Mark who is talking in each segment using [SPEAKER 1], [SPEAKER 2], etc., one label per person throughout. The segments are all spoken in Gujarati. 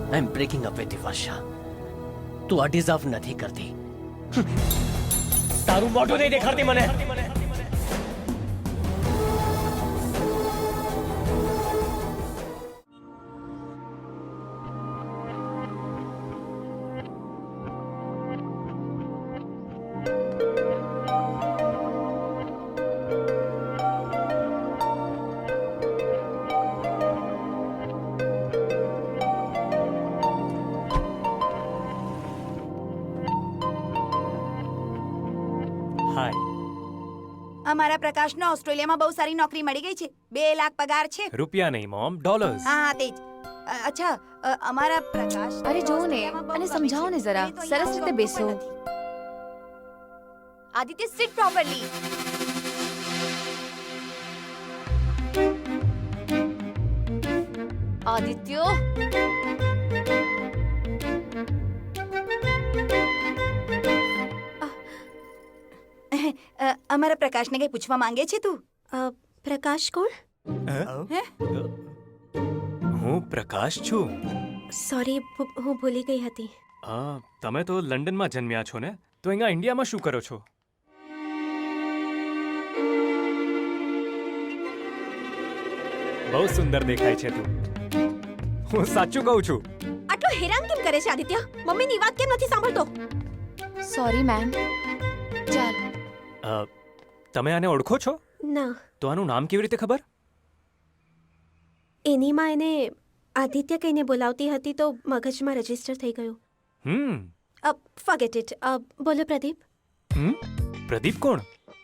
[SPEAKER 1] I am breaking up with Varsha. તું આ ડિઝર્વ નથી કરતી. તારું મોઢું નહીં દેખાડતી મને.
[SPEAKER 2] અમારા પ્રકાશનો ઓસ્ટ્રેલિયામાં બહુ સારી નોકરી મળી ગઈ છે. 2 લાખ પગાર છે.
[SPEAKER 3] રૂપિયા નહીં મોમ, ડોલર્સ.
[SPEAKER 2] હા તે જ. અચ્છા અમારા પ્રકાશ
[SPEAKER 4] અરે જોવો ને અને સમજાવો ને જરા. સરસ રીતે બેસો.
[SPEAKER 2] Aditya seat properly.
[SPEAKER 4] આદિત્ય
[SPEAKER 2] અમારા પ્રકાશને કઈ પૂછવા માંગે છે તું?
[SPEAKER 5] પ્રકાશ કોણ?
[SPEAKER 3] હું પ્રકાશ છું.
[SPEAKER 5] સોરી, હું ભૂલી ગઈ હતી.
[SPEAKER 3] તમે તો લંડનમાં જન્મ્યા છો ને, તો અહીંયા ઇન્ડિયામાં શું કરો છો? બહુ સુંદર દેખાય છે તું. હું સાચું કહું છું.
[SPEAKER 5] આટલો હેરાન કેમ કરે છે આદિત્ય? મમ્મીની વાત કેમ નથી સાંભળતો?
[SPEAKER 4] Sorry ma'am. ચાલ.
[SPEAKER 3] તમે આને ઓળખો છો?
[SPEAKER 5] ના.
[SPEAKER 3] તો આનું નામ કેવી રીતે ખબર?
[SPEAKER 5] એની માં એને આદિત્ય કહીને બોલાવતી હતી તો મગજમાં રજીસ્ટર થઈ ગયું. Forget it. બોલો પ્રદીપ.
[SPEAKER 3] પ્રદીપ કોણ?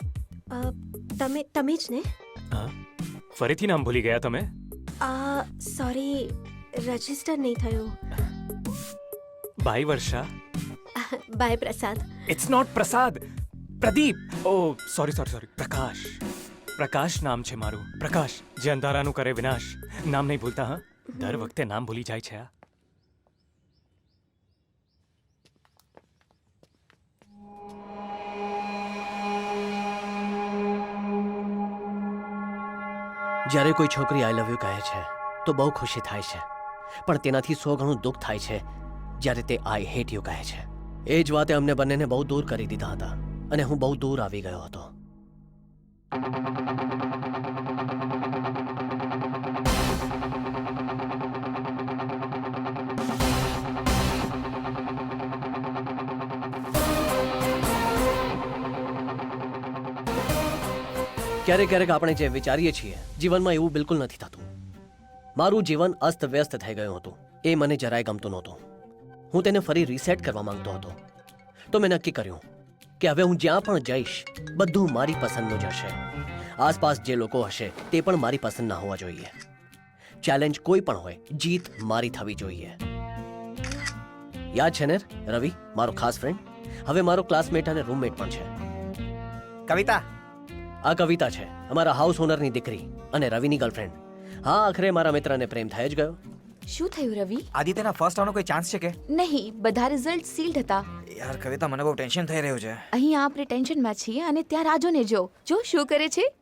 [SPEAKER 5] તમે જ ને?
[SPEAKER 3] ફરીથી નામ ભૂલી ગયા તમે?
[SPEAKER 5] સોરી, રજીસ્ટર નહીં થયું.
[SPEAKER 3] Bye Varsha.
[SPEAKER 5] Bye Prasad.
[SPEAKER 3] It's not Prasad, Pradeep. O sorry. પ્રકાશ. પ્રકાશ નામ છે મારું. પ્રકાશ, જે અંધારાનું કરે વિનાશ. નામ નહીં ભૂલતા. હા, દર વખતે નામ ભૂલી જાય છે.
[SPEAKER 1] જ્યારે કોઈ છોકરી આઈ લવ યુ કહે છે તો બહુ ખુશી થાય છે, પણ તેનાથી 100 ગણું દુઃખ થાય છે જ્યારે તે આઈ હેટ યુ કહે છે. એ જ વાતે અમને બંનેને બહુ દૂર કરી દીધા હતા અને હું બહુ દૂર આવી ગયો હતો. ક્યારેક આપણે જે વિચારીએ છીએ જીવનમાં એવું બિલકુલ નથી થતું. મારું જીવન અસ્તવ્યસ્ત થઈ ગયું હતું. એ મને જરાય ગમતું નહોતું. હું તેને ફરી રીસેટ કરવા માંગતો હતો. તો મેં નક્કી કર્યું કે હવે હું જ્યાં પણ જઈશ બધું મારી પસંદનું જ હશે. આસપાસ જે લોકો હશે તે પણ મારી પસંદના હોવા જોઈએ. ચેલેન્જ કોઈ પણ હોય, જીત મારી થવી જોઈએ. યાદ છે ને રવિ, મારો ખાસ ફ્રેન્ડ, હવે મારો ક્લાસમેટ અને રૂમમેટ પણ છે.
[SPEAKER 6] કવિતા.
[SPEAKER 1] આ કવિતા છે, અમારા હાઉસ ઓનરની દીકરી અને રવિની ગર્લફ્રેન્ડ. હા, આખરે મારા મિત્રને પ્રેમ થઈ જ ગયો.
[SPEAKER 4] શું થયું રવિ?
[SPEAKER 6] આદિત્યના ફર્સ્ટ આવવાનો કોઈ ચાન્સ છે કે
[SPEAKER 4] નહીં? બધા રિઝલ્ટ સીલ્ડ હતા.
[SPEAKER 6] યાર કવિતા, મને બહુ ટેન્શન થઈ રહ્યું છે.
[SPEAKER 4] અહીં આપણે ટેન્શનમાં છીએ અને ત્યાં રાજોને જો શું કરે છે.